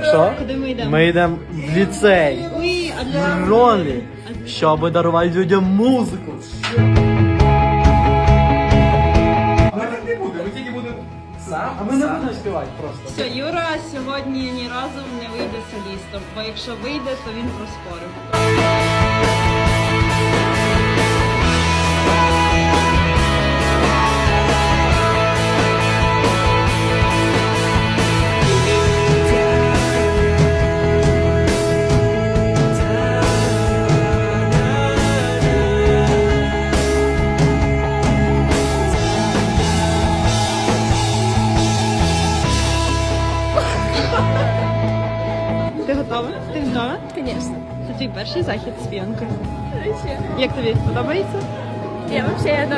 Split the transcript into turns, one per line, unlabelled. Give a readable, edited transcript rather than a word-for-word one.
що?
Куди ми йдемо?
Ми йдемо в ліцей.
Уй, а для...
В Ронлі, щоб дарувати людям музику.
Ми так не будемо, ми тільки будемо сам.
А ми не будемо співати просто.
Все, Юра сьогодні ні разу не вийде солістом, бо якщо вийде, то він проспорив. Ти готова? Ти готова?
Конечно.
Це твій перший захід з п'янкою. Як тобі? Подобається?
Я вообще